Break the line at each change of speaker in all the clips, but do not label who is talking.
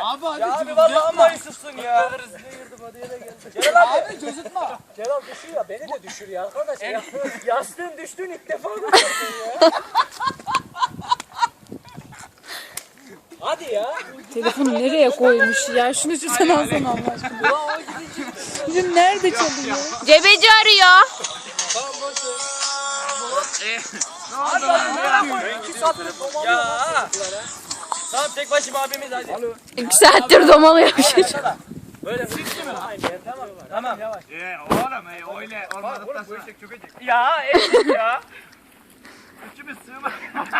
Abi hadi.
Ya abi vallahi amma Yusuf'sun ya. Celal abi.
Abi cozutma.
Celal düşüyor ya. Beni de düşür ya arkadaş ya. Yastığın düştüğün ilk defa görüyorsun ya. Hadi ya.
Telefonu nereye koymuş ya? Şunu sen alsana Allah aşkına. Bizim nerede çalıyor? Cebeci arıyor.
Ya. Tamam tek başıma abimiz hadi.
2 saattir domalıyor bir şey.
Böyle sıktı mı? Tamam. Tamam. Yavaş.
Oğlum öyle olmadıktan sonra.
Ya evet ya.
Üçümüz sığmaz.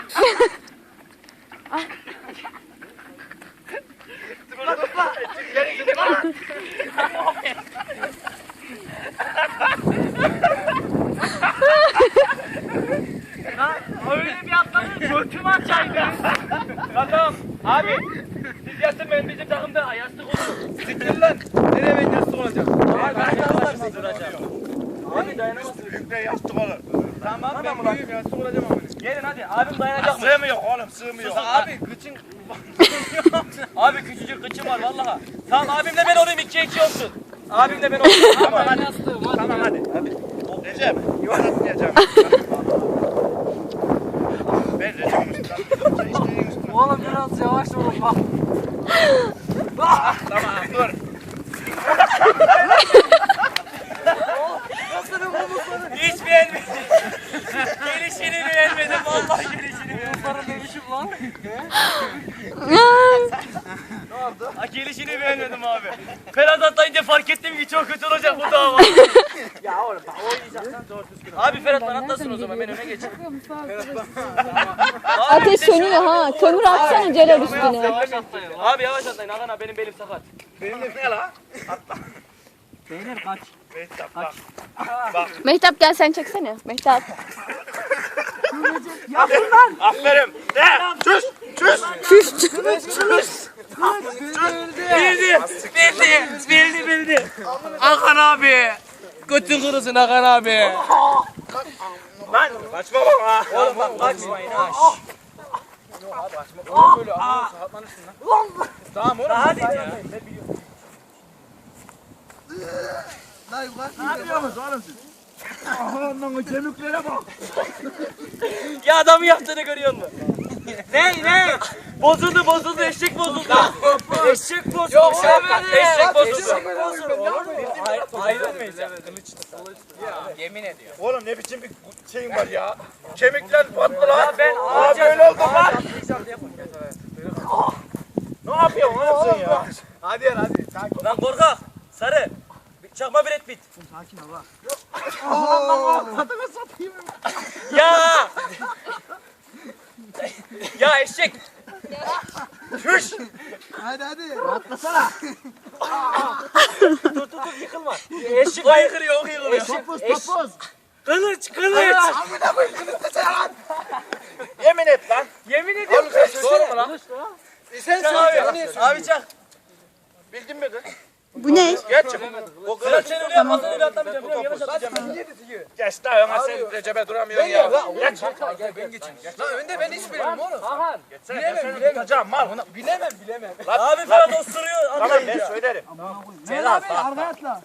Öyle bir atladın götüm açaydı. Tamam abi. Siz yatın ben bizim takımda yastık olur.
Siktir lan. Nereye ben yastık olacağım?
Abi ben yastık duracağım. Abi dayanamazsın.
Büyükle yastık olur.
Tamam
Ben büyüğüm yastık olacağım ama.
Gelin hadi abim dayanacak mı?
Sığmıyor oğlum sığmıyor.
Abi kıçın... abi küçücük kıçım var vallahi. Tamam abimle ben olayım 2-2 olsun. Abimle ben olayım. Tamam hadi.
Tamam hadi. Recep yuvarlatmayacağım. Ben Recep'in üstünden. Sen isteğin üstünden.
Oğlum biraz yavaş olun bak.
Tamam dur.
Hiç beğenmedim. Gelişini beğenmedim vallahi gelişini beğenmedim. Para demişim lan. Ha, gelişini beğenmedim abi. Ferhat atlayınca fark ettim ki çok kötü olacak bu dava. Ya oğlum bak oynayacaksan doğru düzgün. Abi Ferhat bana atlasın o zaman ben öne geçeyim.
Ateş sönüyor ha. Kömür atsana Celal üstüne.
Yavaş atlayın. Abi yavaş atlayın Hakan abi benim belim sakat.
Benim de ne la?
Beyler kaç.
Mehtap bak.
Mehtap gel sen çeksene. Mehtap.
Aferin. De. Çüş. Çüş.
Bildi. Hakan abi. Götün kırılsın Hakan abi.
Lan kaçma bak ha.
Oğlum bak kaçmayın ha.
Tamam oğlum.
Hadi ya.
Ne yapıyorsunuz oğlum siz? Aman o kemiklere bak.
Ya adamı yaptığını görüyor musun? ne? Bozuldu eşek bozuldu. Eşek bozuldu. Yok eşek bozuldu. Ayrılmayacağım. Yemin ediyorum.
Oğlum ne biçim bir şeyin var ya. Kemikler patlı lan.
Ya ben
Abi öyle oldu lan. Ne yapıyorsun oğlum sen ya?
Hadi. Lan korkak. Sarı. Çakma Brad Pitt.
Sakin ol bak.
Ya. Ya eşek.
Çüş.
Hadi.
Dur yıkılma. Eşek yıkılıyor.
Topuz.
Kılıç.
Yemin et lan.
Yemin ediyorum.
Doğru mu lan?
Sen
Çak abi. Abi çak.
Bildin mi kız?
Bu ne?
Geç çık.
Sıra sen öyle yapmasın öyle atlamayacağım. Biliyorum yavaş atlayacağım.
Geç daha öne sen Recep'e duramıyorsun ya. Geç.
Lan önde ben hiç bilmiyorum oğlum.
Hakan.
Bilemem. Tutacağım mal.
Bilemem.
Abi Ferhat osturuyor.
Tamam ben söylerim.
Celal abi arkaya atla.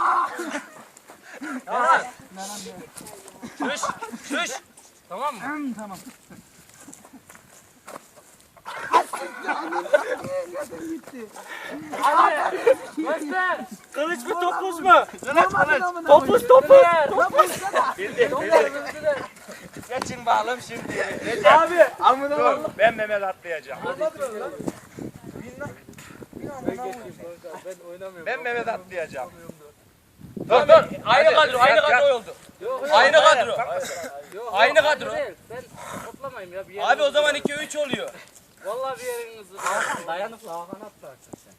Şuş. Tamam mı?
Tamam.
Göster. Kılıç mı topuz mu? Topuz. Bildi. Geçin bağlam şimdi. Abi.
Dur ben Mehmet atlayacağım. Ben Mehmet atlayacağım. Dur.
Aynı kadro oldu. Aynı kadro.
Ben toplamayayım ya bir yere.
Abi o zaman 2-3 oluyor.
Vallahi bir yeriniz dayanıklı Hakan atlarsın sen.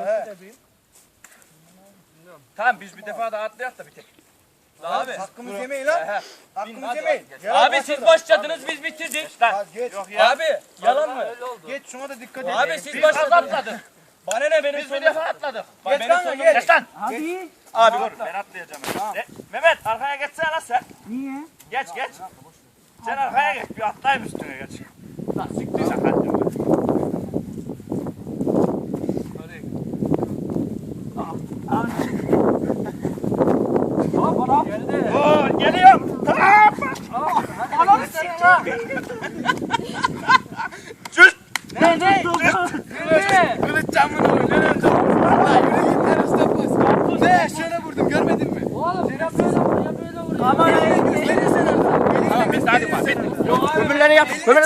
Tamam biz bir defa daha atlayak da bir tek.
Abi.
Hakkımızı yemeyin lan. Hakkımızı yemeyin.
Abi siz başladınız biz bitirdik.
Geç.
Yok ya.
Abi yalan mı?
Öyle oldu.
Geç şuna da dikkat et.
Abi siz
Biz
başladınız.
atladık.
Bana ne benim
Biz bir
sonum.
defa atladık.
Bak,
Geç
benim
lan,
sonum.
geç.
Geç lan.
Hadi.
Abi dur ben atlayacağım. Mehmet arkaya geçsene lan sen.
Niye?
Geç. Sen arkaya geç bir atlayayım üstüne geç. Lan siktir sen hadi. Oo, geliyorum. Tamam.
Ananı sikeyim.
Sus.
Ne?
Kılıç camını oynuyor. Vallahi yürü git lan Mustafa. Ne şöyle vurdum görmedin mi?
Oğlum ya böyle vur ya böyle vur.
Kameraya gösterirsen.
Tamam bitti hadi bak. Bitti.
Öbürleri yap.